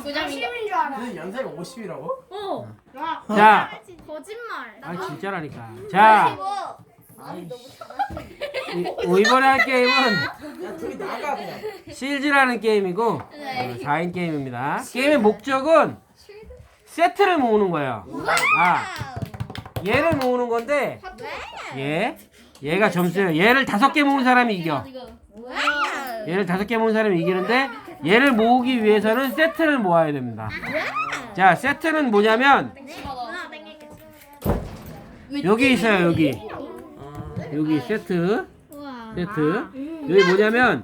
9점인 줄 알아. 근데 연세가 50이라고? 어. 자, 거짓말. 아 진짜라니까. 자, 이번에 할 게임은 야 둘이 나가 그냥. 실즈라는 게임이고 네. 4인 게임입니다. 게임의 목적은 세트를 모으는 거예요. 아, 얘를 모으는 건데 얘가 점수예요. 얘를 5개 모은 사람이 이겨. 얘를 5개 모은 사람이 이기는데 얘를 모으기 위해서는 세트를 모아야 됩니다. 자, 세트는 뭐냐면 여기 있어요. 여기 세트. 여기 뭐냐면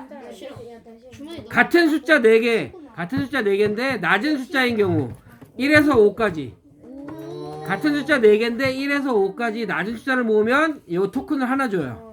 같은 숫자 4개인데 낮은 숫자인 경우 1에서 5까지 같은 숫자 4개인데 1에서 5까지 낮은 숫자를 모으면 이 토큰을 하나 줘요.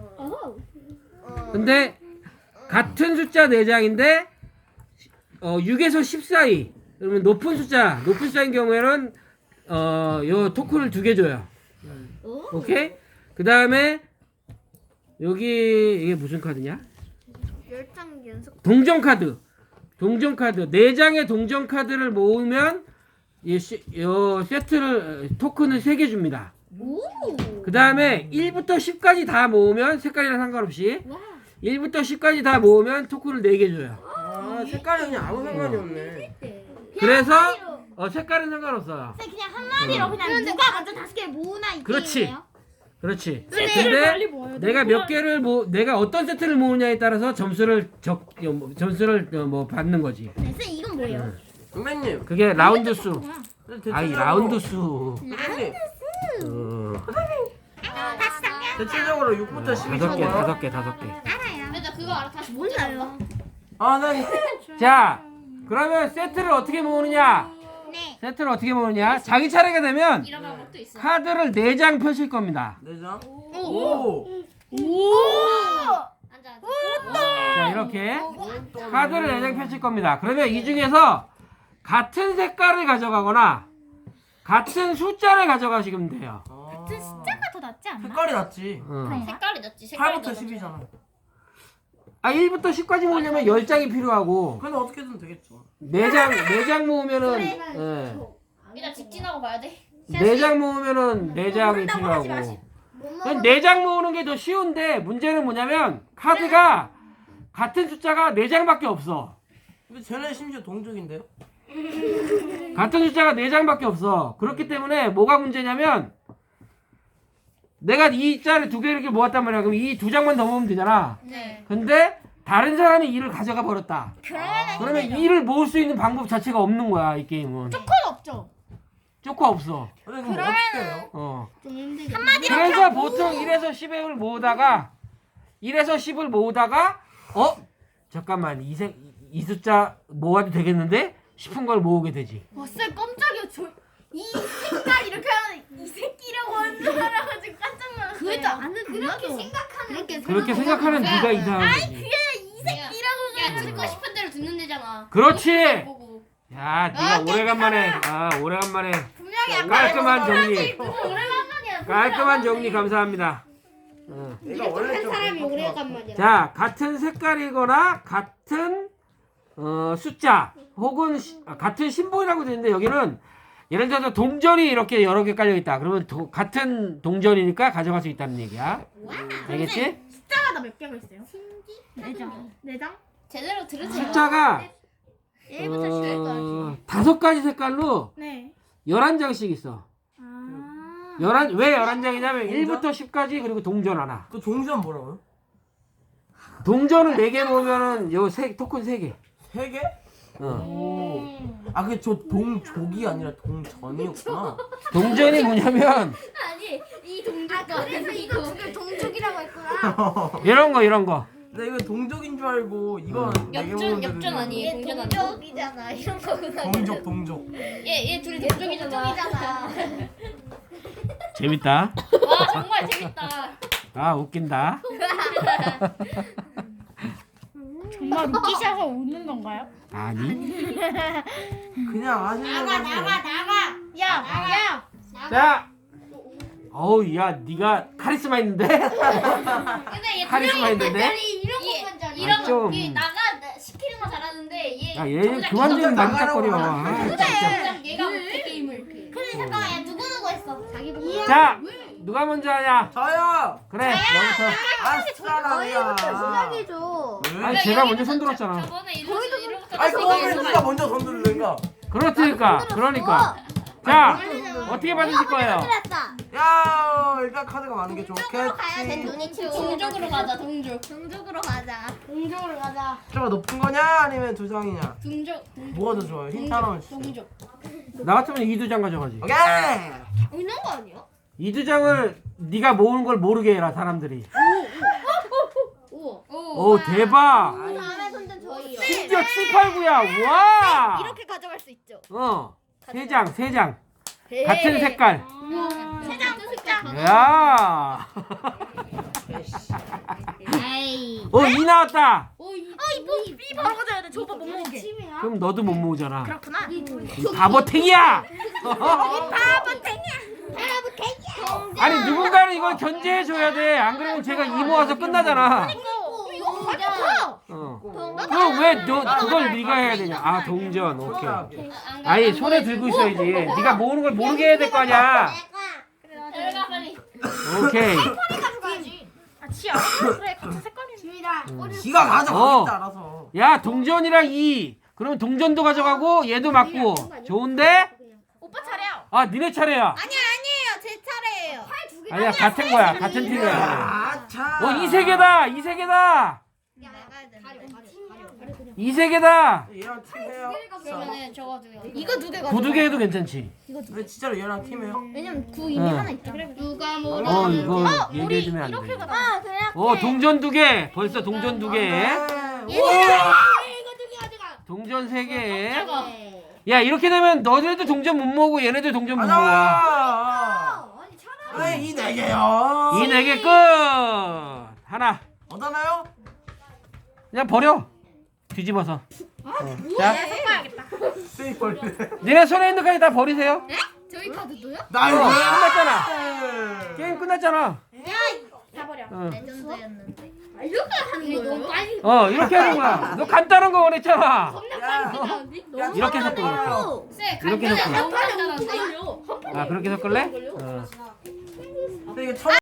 근데 같은 숫자 4장인데 6에서 10 사이 그러면 높은 숫자인 경우에는 요 토큰을 2개 줘요. 오케이? 그 다음에 여기 이게 무슨 카드냐? 열장 연속. 동전 카드 4장의 동전 카드를 모으면 이 세트를 토큰을 3개 줍니다. 그 다음에 1부터 10까지 다 모으면 색깔이랑 상관없이 1부터 10까지 다 모으면 토큰을 4개 줘요. 아 색깔이 그냥 아무 상관이 없네. 그래서 색깔은 상관없어요. 그냥 한 마리로 그냥 누가 먼저 5개 모으나 이 그렇지. 게임이에요? 그렇지. 근데 내가 몇 개를 내가 어떤 세트를 모으냐에 따라서 점수를 받는 거지. 네, 쌤 이건 뭐예요? 선배님. 그게 라운드 수. 아이 대체적으로- 라운드 수. 선배님. 다시 잠깐. 대체적으로 6부터 10이 5개. 알아요. 나 그거 알아. 다시 몰라요. 아난 자, 그러면 세트를 어떻게 모으느냐? 네. 세트를 어떻게 모으느냐? 자기 차례가 되면 이런 방법도 있어. 카드를 4장 펼칠 겁니다. 4장? 오. 앉아. 자, 이렇게 카드를 4장 펼칠 겁니다. 그러면 이 중에서 같은 색깔을 가져가거나 같은 숫자를 가져가시면 돼요. 같은 숫자가 더 낫지 않나? 색깔이 낫지. 색깔이 낫지. 색깔이 8부터 10이잖아. 1부터 10까지 모으려면 10장이 필요하고 근데 어떻게든 되겠죠. 4장 모으면은 일단 직진하고 봐야 돼. 4장 모으면은 4장이 필요하고 4장 모으는 게 더 쉬운데 문제는 뭐냐면 카드가 같은 숫자가 4장밖에 없어. 근데 쟤네 심지어 동족인데요? 같은 숫자가 4장밖에 없어. 그렇기 때문에 뭐가 문제냐면 내가 이 숫자를 2개 이렇게 모았단 말이야. 그럼 이 2장만 더 모으면 되잖아. 네. 근데 다른 사람이 2를 가져가 버렸다. 그러면 2를 모을 수 있는 방법 자체가 없는 거야, 이 게임은. 건 없죠. 쪼커 없어. 근데 그럼 어떻게 해요? 한마디로 그래서 보통 1에서 10을 모으다가 1에서 10을 모으다가 잠깐만 이 숫자 모아도 되겠는데 싶은 걸 모으게 되지. 쌤 깜짝이야. 이 색깔 이렇게 하면 이 새끼라고 하는 줄 알아가지고 깜짝 놀랐어요. 그래도 아는 그렇게 생각하는 그렇게 생각하는 네가 이상한 거지. 이 새끼라고 야 듣고 싶은 대로 듣는 데잖아. 그렇지. 보고. 야, 네가 오래간만에 분명히 깔끔한 정리. 오래간만이야. 깔끔한 정리 감사합니다. 내가 원래 좀 오래간만이야. 자, 같은 색깔이거나 같은 숫자 혹은 같은 심볼이라고 되는데 여기는 예를 들어서 동전이 이렇게 여러 개 깔려 있다. 그러면 같은 동전이니까 가져갈 수 있다는 얘기야. 알겠지? 숫자가 몇 개가 있어요? 4장? 제대로 들으세요. 숫자가 1부터 10까지. 5가지 색깔로 네. 11장씩 있어. 아. 왜 11장이냐면 1부터 10까지 그리고 동전 하나. 그 종전 뭐라고요? 동전을 4개 모으면은 토큰 3개. 3개? 어. 아 그게 저 동족이 아니라 동전이었구나. 동전이 뭐냐면 아니 이 동족과 그래서 이거 두개 동족이라고 했구나. 이런 거. 나 이거 동족인 줄 알고 이건 역전 아니에요? 동전 아니에요? 동족이잖아. 이런 거구나. 동족. 얘 둘이 동족이잖아. 재밌다. 와 정말 재밌다. 아, 웃긴다. 정말 웃기셔서 웃는 건가요? 아니. 그냥 아시는 나가. 야. 자. 어우, 야, 네가 카리스마 있는데? 근데 얘 카리스마 있는데? 이런 것만 잘. 좀. 얘 나가 시키는 거 잘하는데 얘 야, 얘 그만 좀 만지작거려. 아, 진짜. 얘가 어떻게 게임을 근데 잠깐만 야 누구 했어? 자기 보고 자, 누가 먼저 하냐? 저요. 그래, 너부터. 아싸라비야. 시작해줘. 아니, 제가 먼저 손 들었잖아. 저번에 이러부터 아니 그거 왜 누가 먼저 돈 들는가? 그러니까. 자, 어떻게 받으실 거예요? 야 일단 카드가 많은 게 쟤 좋겠지. 눈이 동족으로 가자 동족으로 가자 동족으로 가자 숫자가 높은 거냐 아니면 두 장이냐? 동족 뭐가 더 좋아요? 힌트 하나만 주세요. 동족 나 같으면 이두장 가져가지. 오케이. 있는 거 아니야? 이두장을 네가 모으는 걸 모르게 해라, 사람들이. 우와 오, 대박. 다음에 손든 저희요 심지어 7, 8, 9야. 와. 이렇게 가져갈 수 있죠 세 장. 같은 색깔. 세장 색깔 야. 에이 이 나왔다. 이 바로 가져야 돼 저거 못 먹게 그럼 너도 못 모으잖아. 그렇구나 바보탱이야. 바보탱이야 아니, 누군가는 이걸 견제해 줘야 돼. 안 그러면 제가 이 모아서 끝나잖아. 이거 가져가 그럼 왜 그걸 네가 해야 되냐? 아, 동전. 오케이. 아니, 손에 들고 있어야지. 네가 모으는 걸 모르게 해야 될 거 아니야. 들어가 빨리 오케이. 가져가야지 지 알아서 그래 같은 색깔이야. 지가 가져가겠다 알아서. 야, 동전이랑 2. 그러면 동전도 가져가고 얘도 맞고. 좋은데? 오빠 차례야. 아, 니네 차례야. 아니에요 제 차례예요 아니야, 같은 거야. 같은 팀이야. 아차. 이 세 개다. 이 세 개다. 얘랑 팀해요. 그러면은 적어줘요 이거 두 개가. 구두 개 해도 괜찮지. 왜 진짜로 얘랑 팀해요? 왜냐면 구 이미 응. 하나 있잖아. 누가 뭐라 이거 얘기해주면 안 돼. 이렇게 가자. 아 그래 동전 2개. 벌써 동전 2개. 네. 이거 두개 가져가 동전 3개. 야, 이렇게 되면 너네도 동전 못 모으고 얘네도 동전 못 모아. 가자. 아니 이네 개요. 이 4개 끝. 하나. 얻었나요? 그냥 버려. 뒤집어서. 자, 쓰이 벌레. 니네 손에 있는 까지 다 버리세요. 저희 카드도요? 나이스. 끝났잖아. 게임 끝났잖아. 다 버려 어. 레전드였는데 이렇게 하는 거예요? 이렇게 하는 거야. 너 간단한 거 원했잖아. 야, 이렇게 해서 끓어요. 이렇게 섞어. 한 판에 5분 걸려 아, 그렇게 섞을래? 근데 이게 천